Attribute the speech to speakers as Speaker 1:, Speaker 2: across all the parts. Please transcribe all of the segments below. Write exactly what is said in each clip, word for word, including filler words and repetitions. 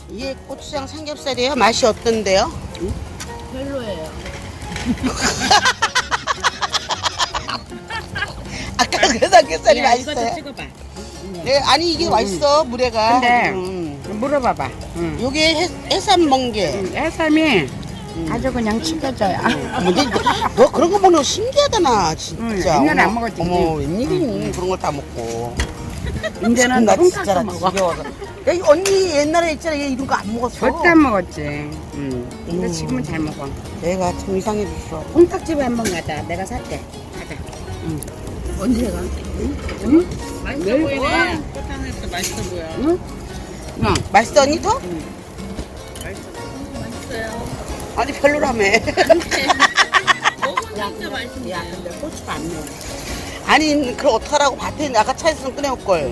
Speaker 1: 이게 고추장 삼겹살이에요? 맛이 어떤데요?
Speaker 2: 별로예요.
Speaker 1: 아까 그 삼겹살이
Speaker 2: 야, 이것도
Speaker 1: 맛있어요?
Speaker 2: 찍어봐.
Speaker 1: 네, 아니 이게
Speaker 2: 응,
Speaker 1: 맛있어 물회가.
Speaker 2: 근데
Speaker 1: 음.
Speaker 2: 물어봐봐. 응.
Speaker 1: 요게 해, 해삼 멍게.
Speaker 2: 응, 해삼이 아주 그냥 튀겨져요.
Speaker 1: 뭐, 너, 너 그런 거 먹는 거 신기하다 나 진짜.
Speaker 2: 응, 옛날에 안
Speaker 1: 어머,
Speaker 2: 먹었지,
Speaker 1: 어머
Speaker 2: 그치?
Speaker 1: 웬일이니 그런 걸 다 먹고.
Speaker 2: 이제는
Speaker 1: 나
Speaker 2: 통닭도
Speaker 1: 진짜 나
Speaker 2: 먹어.
Speaker 1: 지겨워서. 야, 이 언니 옛날에 있잖아 얘 이런 거 안 먹었어.
Speaker 2: 절대 안 먹었지. 응. 근데
Speaker 1: 음.
Speaker 2: 지금은 잘 먹어.
Speaker 1: 내가 참 이상해졌어.
Speaker 2: 통닭집에 한번 가자. 내가 살게. 가자. 응. 언제 가? 응? 응? 맛있어
Speaker 1: 내일
Speaker 2: 보이네.
Speaker 3: 포장해서 맛있어 보여.
Speaker 2: 응? 응.
Speaker 1: 맛있어 언니 더?
Speaker 3: 맛있어요.
Speaker 1: 아니 별로라며.
Speaker 3: 먹으니까 맛있네.
Speaker 2: 야, 근데 고추가 안 매워.
Speaker 1: 아니 그럼 어떡하라고 밭에 있는데 아까 차에서 꺼내올 걸.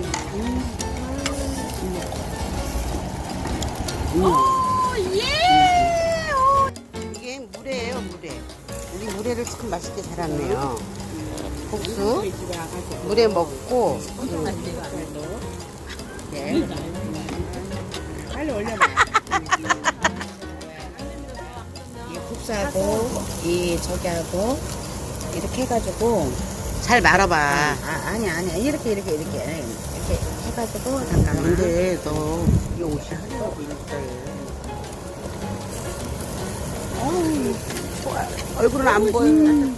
Speaker 1: 이게 물회예요 물회. 우리 물회를 참 맛있게 잘하네요. 국수
Speaker 2: 집에 와가지고.
Speaker 1: 물회 먹고
Speaker 2: 네. 빨리 올려봐. 이 국수하고 이 저기하고 이렇게 해가지고
Speaker 1: 잘 말아봐.
Speaker 2: 아 아니 아니 이렇게 이렇게 이렇게 이렇게 해가지고 잠깐만.
Speaker 1: 근데 너 이 옷이 하려고 일자에. 어우, 좋아. 얼굴은 안 보여.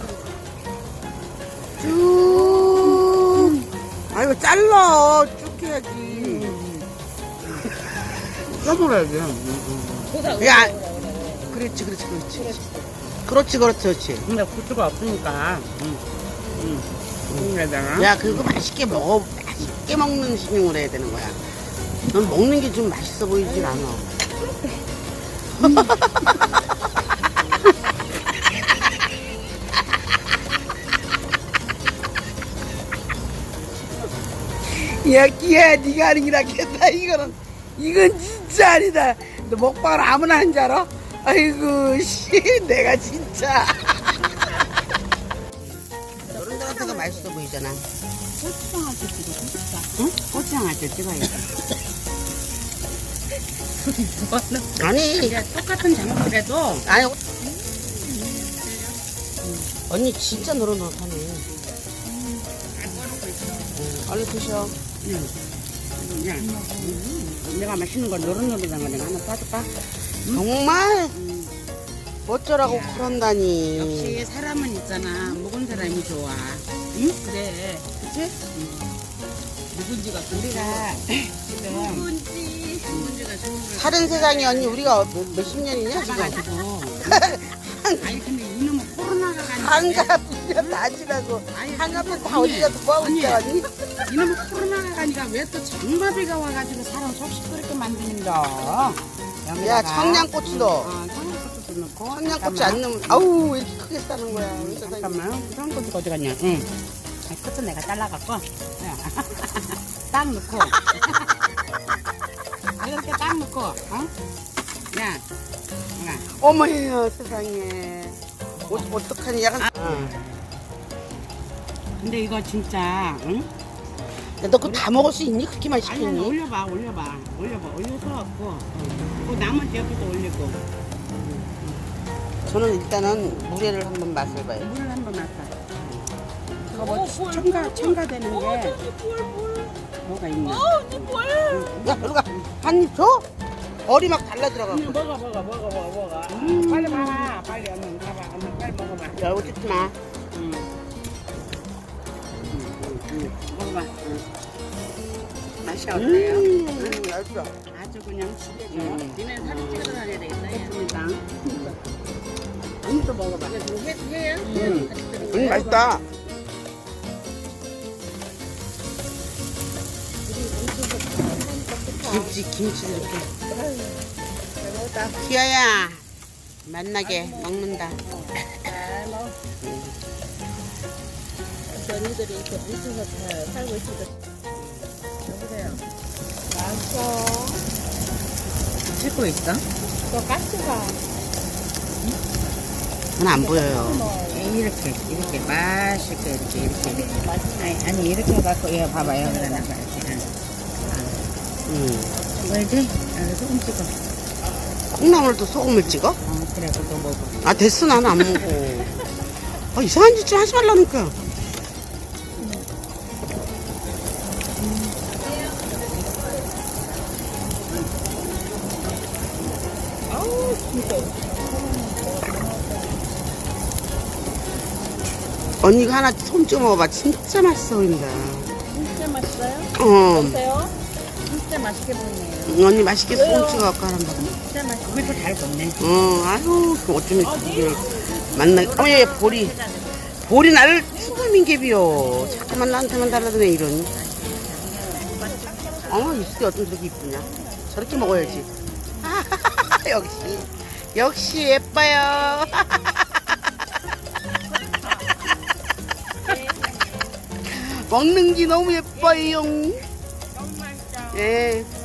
Speaker 1: 쭉. 아 이거 잘라. 쭉 해야지.
Speaker 2: 써먹어야지.
Speaker 1: 야, 그렇지, 그렇지, 그렇지. 그렇지, 그렇지, 그렇지.
Speaker 2: 근데 국수가 없으니까. 응. 응. 응.
Speaker 1: 야, 그거 맛있게 먹어. 맛있게 먹는 신용을 해야 되는 거야. 넌 먹는 게 좀 맛있어 보이질 않아. 야, 끼야, 네가 하는 게 낫겠다. 이거는, 이건 진짜 아니다. 너 먹방을 아무나 하는 줄 알아? 아이고, 씨, 내가 진짜. 너런 거 같은 거 맛있어 보이잖아.
Speaker 2: 고추장 할 때 찍어. 응? 고추장 할 때 찍어야지.
Speaker 1: 아니,
Speaker 2: 이게 똑같은 장소라도
Speaker 1: 아니, 언니 진짜 노릇노릇하네. 응, 얼른 드셔.
Speaker 2: 응. 야, 내가 맛있는 걸 노릇노릇한 거 내가 하나 빠줄까?
Speaker 1: 정말
Speaker 2: 응.
Speaker 1: 어쩌라고
Speaker 2: 야.
Speaker 1: 그런다니.
Speaker 2: 역시 사람은 있잖아. 먹은 사람이 좋아. 응? 그래. 그치? 누군지가 우리가 지금
Speaker 3: 누군지, 누군지가 좋은 걸.
Speaker 1: 다른 세상에 언니 우리가 몇, 몇십 년이냐 지금.
Speaker 2: 가지고 아니 근데 이놈은 코로나가 가니까
Speaker 1: 한갑 이년 다 지나고
Speaker 2: 아니,
Speaker 1: 한갑은 다
Speaker 2: 언니,
Speaker 1: 어디 가서 뭐하고
Speaker 2: 언니.
Speaker 1: 있어 언니?
Speaker 2: 이놈은 코로나가 가니까 왜 또 장마비가 와가지고 사람 속 시끄럽게 만드는다.
Speaker 1: 야 청양고추도.
Speaker 2: 어, 청양고추도 넣고.
Speaker 1: 청양고추 안 넣으면 아우 왜 이렇게 크게 싸는 거야. 우리 세상에.
Speaker 2: 잠깐만. 청양고추가 어디 갔냐? 응. 아, 끝은 내가 잘라갖고. 야. 딱 넣고. 아, 이렇게 딱 넣고. 어? 야. 야.
Speaker 1: 어머야 세상에. 어, 어떡하니 약간. 어.
Speaker 2: 근데 이거 진짜, 응?
Speaker 1: 너 그거 다 먹을 수 있니? 그렇게만
Speaker 2: 아니, 아니,
Speaker 1: 시켰니?
Speaker 2: 올려봐, 올려봐. 올려봐. 올려서 갖고. 그 나머지 옆에도 올리고.
Speaker 1: 저는 일단은 물회를 한번 맛을 봐요.
Speaker 2: 물을 한번 놨다. 이거
Speaker 3: 어,
Speaker 2: 뭐
Speaker 3: 뭘,
Speaker 2: 첨가,
Speaker 3: 뭘,
Speaker 2: 첨가되는
Speaker 3: 어,
Speaker 2: 게
Speaker 3: 저기 뭘, 뭘.
Speaker 2: 뭐가 있냐?
Speaker 3: 어, 언니 뭘.
Speaker 1: 야 누가 한입 줘? 얼이 막 달라 들어가.
Speaker 2: 언니 먹어, 먹어, 먹어, 먹어, 먹어. 음. 빨리 봐. 빨리 얼른 가봐. 얼른 빨리 먹어봐.
Speaker 1: 야 이거 뜯지 마.
Speaker 2: 응. 응, 응. 먹어봐. 응. 맛이 어때요?
Speaker 1: 음, 맛있어.
Speaker 2: 아주 그냥 죽여줘.
Speaker 1: 음.
Speaker 3: 니네 사진 찍어서 다녀야 되겠다. 야.
Speaker 2: 됐습니다. 언니도 먹어봐.
Speaker 3: 이거 좀 해, 해요?
Speaker 1: 음.
Speaker 3: 같이 들은
Speaker 1: 음,
Speaker 3: 거야?
Speaker 1: 맛있다. 김치, 김치 이렇게. 기아야, 만나게 먹는다.
Speaker 3: 잘 먹어. 언니들이 이렇게 밑에서 다 살고 있으니까. 여보세요. 맛있어.
Speaker 2: 찍고 있어?
Speaker 3: 너 가스가.
Speaker 1: 저는 안 보여요.
Speaker 2: 이렇게 이렇게 맛있게 이렇게 이렇게 이렇게 아니, 아니 이렇게 해갖고 이거 봐봐요 그래 나가 이렇게
Speaker 1: 음.
Speaker 2: 알지? 아, 소금 찍어.
Speaker 1: 콩나물도 소금을 찍어?
Speaker 2: 어, 그래, 그거 먹어.
Speaker 1: 아 됐어 나는 안 먹어. 아 이상한 짓 좀 하지 말라니까.
Speaker 3: 아우, 진짜.
Speaker 1: 언니가 하나 손 찍어 먹어봐. 진짜 맛있어 보인다.
Speaker 3: 진짜 맛있어요?
Speaker 1: 어
Speaker 3: 어때요?
Speaker 2: 진짜 맛있게 보이네요.
Speaker 1: 언니 맛있게 손 찍어 갖고 하란 봐.
Speaker 2: 진짜 맛있어. 그리고 잘 걷네.
Speaker 1: 어 아유 그 어쩌면 그걸 만나. 어얘 보리 보리 나를 수금인개비요. 자꾸만 나한테만 달라드네 이런. 어 입술이 어쩜 저렇게 이쁘냐. 저렇게 먹어야지. 역시 역시 예뻐요. 먹는 게 너무 예뻐요.
Speaker 3: 너무 맛있어.
Speaker 1: 예.